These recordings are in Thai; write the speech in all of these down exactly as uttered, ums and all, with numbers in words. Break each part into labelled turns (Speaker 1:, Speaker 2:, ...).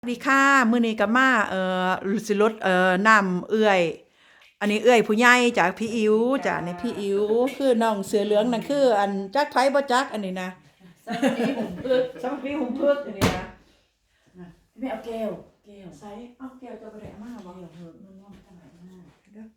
Speaker 1: สวัสดีค่ะมื้อนี้ก็มาเอ่อสิรดเอ่อน้ำเอื้อยอันนี้เอื้อยผู้ใหญ่จากพี่อิ๋วจ้ะในพี่อิ๋วคือน้องเสือเหลืองนั่นคืออันจักไผบ่จักอันนี้นะ
Speaker 2: สวัสดีผมพึก
Speaker 1: สำพี่หุ่มพึกอันนี้นะ
Speaker 2: ไม่เอาแก้วแก้ว
Speaker 1: ใส่เอาแก้วจะบ่ได้เอามาบ่
Speaker 2: แก้วเถอะมันน้องขนาดมาก
Speaker 1: เด้อ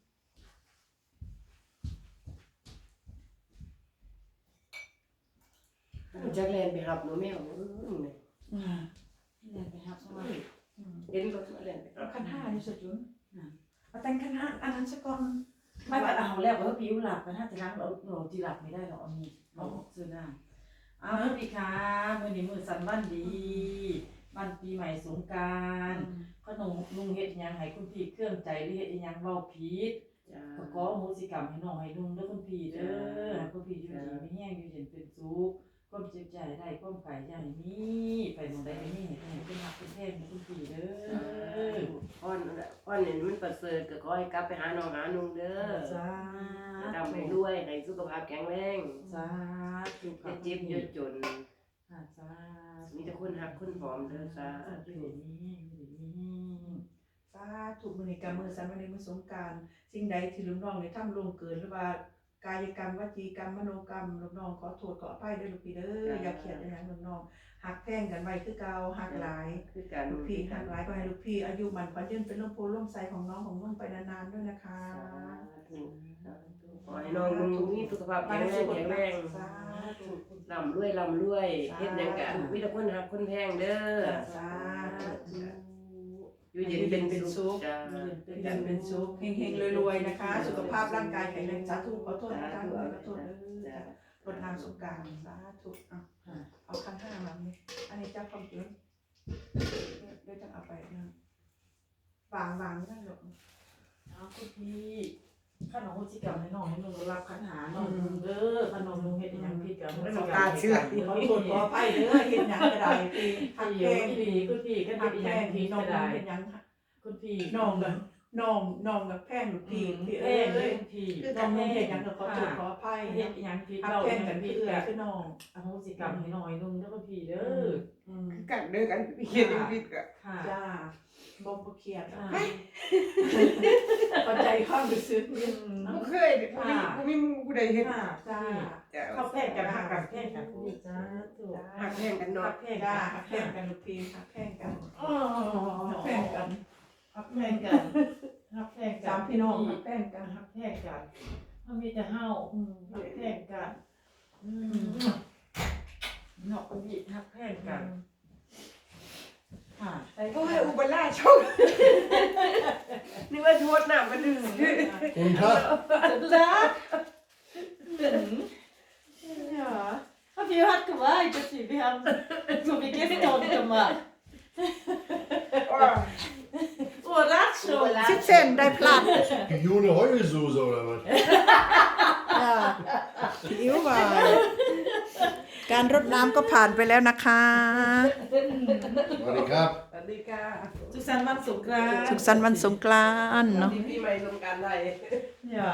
Speaker 3: จักแลนไปหับหนูแมวเออนี่
Speaker 1: อืม
Speaker 2: นี่แหละไปหับมา
Speaker 3: เห็นรถมาแลนไป
Speaker 1: เอาคันห้านี่สจุนเอาแต่งคันห้าอันนั้นซะก่อน
Speaker 2: ไม่ว่าเอาแล้วว่าผิวหลับมันถ้าจะล้างเราเราจีหลับไม่ได้หรอกเอามีเอาซื้อหน้าเอาสวัสดีค่ะมื้อนี้มื้อสันวันดีวันปีใหม่สงกรานต์ขนมลุงเฮ็ดหยังให้คุณพี่เครื่องใจหรือเฮ็ดหยังเว้าผิด
Speaker 3: จ้า
Speaker 2: ก็ขอโหสิกรรมให้น้องให้ลุงเด้อคุณพี่เด้อให้คุณพี่อยู่ดีมีแห้งอยู่เย็นเป็นสุขความเจ็บใจได้ความไข่ใหญ่มีไปหมองใดไปนี่ให้เป็นหักเป็นแท้งให้คุณพี่เด้อ
Speaker 3: อ้อนอ้อนเนี่ยมันประเสริฐก็ขอให้กลับไปหาน้องหานุ่งเด้อ
Speaker 2: สา
Speaker 3: ดำไปด้วยให้สุขภาพแข็งแรง
Speaker 2: สาธุ
Speaker 3: จะเจ็บเยอะจน
Speaker 2: สา
Speaker 3: มีแต่คนหักคนหอมเด้อสา
Speaker 2: ธุอยู่นี่อยู่นี่
Speaker 1: สาธุมื้อนี้ก็มื้อสันวันนี้มื้อสงกรานต์สิ่งใดที่ลูกน้องได้ทำล่วงเกินหรือว่ากายกรรมวจีกรรมมโนกรรมลูกน้องขอโทษขออภัยเด้อลูกพี่เด้ออย่าเครียดอย่างลูกน้องหักแพงกันไว้คือเก่าหักหลาย
Speaker 3: คือการ
Speaker 1: ลูกพี่หักหลายก็ให้ลูกพี่อายุมันขวัญยืนเป็นร่มโพล่มไทรของน้องของนุ่นไปนานๆด้วยนะคะ
Speaker 3: ขอให้น้องนุ่งมีสุขภาพแข็งแรงแข็งแรง
Speaker 1: สาธุ
Speaker 3: ลำรวยลำรวยเฮ็ดหยังก็มีแต่คนหักคนแพงเด้อ
Speaker 1: สาธุ
Speaker 3: อยู่เย็นเป็นสุขจ้า
Speaker 1: เป็นอย่างเป็นสุขเฮงๆรวยๆนะคะ สุขภาพร่างกายแข็งแรงสาธุขอโทษนะคะขอโทษเด้อรดน้ำสงกรานต์สาธุเอาเอาคันห้ามาเนี่ยอันนี้เจ้าความจริงเดี๋ยวจะเอาไปนะวางวางนั่นหรอก
Speaker 2: เอาคุณพี่ขนมโหสิกรรมให้น้องให้ลุงรับขันหาน้องลุงเด้อขนมลุงเฮ็ดหยังผิดกับ
Speaker 1: ไม่ต้องการเชื่อขอโทษขออภัยเด้อเห็นหยังก็ได้พี่หัก
Speaker 2: พี่
Speaker 1: แพง
Speaker 2: คุณพี่คุณพี่ก็
Speaker 1: หั
Speaker 2: เฮ็
Speaker 1: ก
Speaker 2: ดห
Speaker 1: แพ
Speaker 2: ยัง
Speaker 1: ง
Speaker 2: ผิ
Speaker 1: พี่
Speaker 2: ด
Speaker 1: น้อง
Speaker 2: ก็ได้
Speaker 1: เห็นหยัง
Speaker 2: คุณพี่
Speaker 1: น้องกันน้องน้องกับแพงลูกพี่พี่
Speaker 2: เอ้
Speaker 1: เอ้
Speaker 2: ย
Speaker 1: ย
Speaker 2: พี่
Speaker 1: น้องเห็นหยังก็ขอโทษขออภัย
Speaker 2: เฮ็ดหยังผิด
Speaker 1: หัก
Speaker 2: เรา
Speaker 1: แพ
Speaker 2: เฮ็
Speaker 1: ง
Speaker 2: ด
Speaker 1: กัน
Speaker 2: ผิ
Speaker 1: พี่
Speaker 2: ด
Speaker 1: เอ้ย
Speaker 2: กับ
Speaker 1: คือน้อง
Speaker 2: อโหสิกรรมให้น้องให้ลุงเด้อคุณพี่เด้อ
Speaker 1: อืม
Speaker 4: กันเด้อกันเขียนผิดก็
Speaker 2: ค่ะ
Speaker 1: จ้าบ่บ่เครียด
Speaker 2: ค่ะ
Speaker 1: เข้าใจความรู้สึก
Speaker 2: อืม
Speaker 4: บ่เคยบ่มีบ่มีผู้ใดเฮ็ด
Speaker 2: ค่ะ
Speaker 1: จ้า
Speaker 4: จ้ะ
Speaker 2: เข้าแพงกันหักกันแพงกันคุณพี่จ้าถูก
Speaker 3: หักแพงกัน
Speaker 2: หั
Speaker 3: เนาะ
Speaker 2: กแพง
Speaker 1: จ้า
Speaker 2: กัน
Speaker 1: หักแพงกันลูกพี่หักแพงกัน
Speaker 2: อ๋อ
Speaker 1: หักแพงกัน
Speaker 2: หักแพงกันหักแพงกัน
Speaker 1: สามพี่น้องหักแพงกัน
Speaker 2: หักแพงกันมันมีแต่เฮาอืมหักแพงกันอืมเนาะคุณพี่หักแพงกันค่ะ
Speaker 4: โอ้ยอุบลราชช่อง
Speaker 3: นึกว่าทวดน้ำมาดื่ม
Speaker 5: Guten Tag.
Speaker 2: Tag. Ja. Aber wir hat geweint, dass wir haben so wie gestern gemacht.
Speaker 4: ว่า
Speaker 2: Oh, das schon.
Speaker 1: สิบเส้นได้พลาด
Speaker 5: June Heulsoße oder was?
Speaker 1: จ้าพี่อิ๋วว่าการรดน้ำก็ผ่านไปแล้วนะคะ
Speaker 5: Warte, Kap.
Speaker 3: สวัสดีค่ะ
Speaker 2: สุขสันต์วันสงกรานต์
Speaker 1: สุขสันต์วันสงกรานต์เนาะ
Speaker 3: ที่พี่ใหม่ลงการได้
Speaker 2: Ja.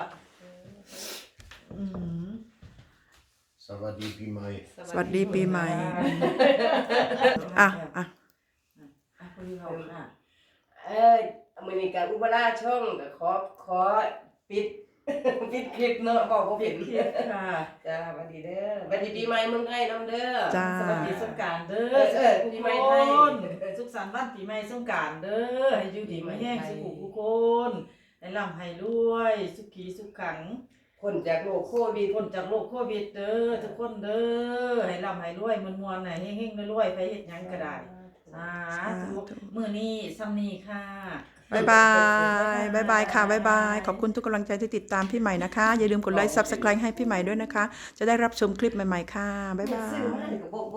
Speaker 2: Mhm.
Speaker 5: Savadi Pimai.
Speaker 1: สวัสดีปีใหม่อ่ะอ่ะ
Speaker 2: อ่ะคุณพี่เขาค่ะ
Speaker 3: เอ้ยอเมริกาอุบลราชช่องก็ขอขอปิด ปิดคลิปเนาะบอกว่าผิด
Speaker 2: เพียรค่ะ
Speaker 3: จ้าสวัสดีเด้อสวัสดีปีใหม่เมืองไทยน้ำเด้อ
Speaker 1: จ้า
Speaker 2: สวัสดีสงกรานต์เด้อ
Speaker 3: เออปีใหม่ไทย
Speaker 2: สุขสันต์วันปีใหม่สงกรานต์เด้อให้อยู่ดีมีแห้งสุขุทุกคน ให้ร่ำให้รวย สุขีสุขขัง
Speaker 3: คนจากโลกโควิด
Speaker 2: พ้นจากโรคโควิดเด้อทุกคนเด้อให้ร่ำให้รวยมวนๆให้เฮงๆรวยๆไปเฮ็ดหยังก็ได้สาธุมื้อนี้ซ้ำนี้ค่ะ
Speaker 1: บายบายบายบายค่ะบายบาย ขอบคุณทุกกำลังใจที่ติดตามพี่ใหม่นะคะ อย่าลืมกดไลค์ ซับสไครบ์ ให้พี่ใหม่ด้วยนะคะ จะได้รับชมคลิปใหม่ๆค่ะ บ๊ายบาย
Speaker 3: ซื้อมาให้กับพวก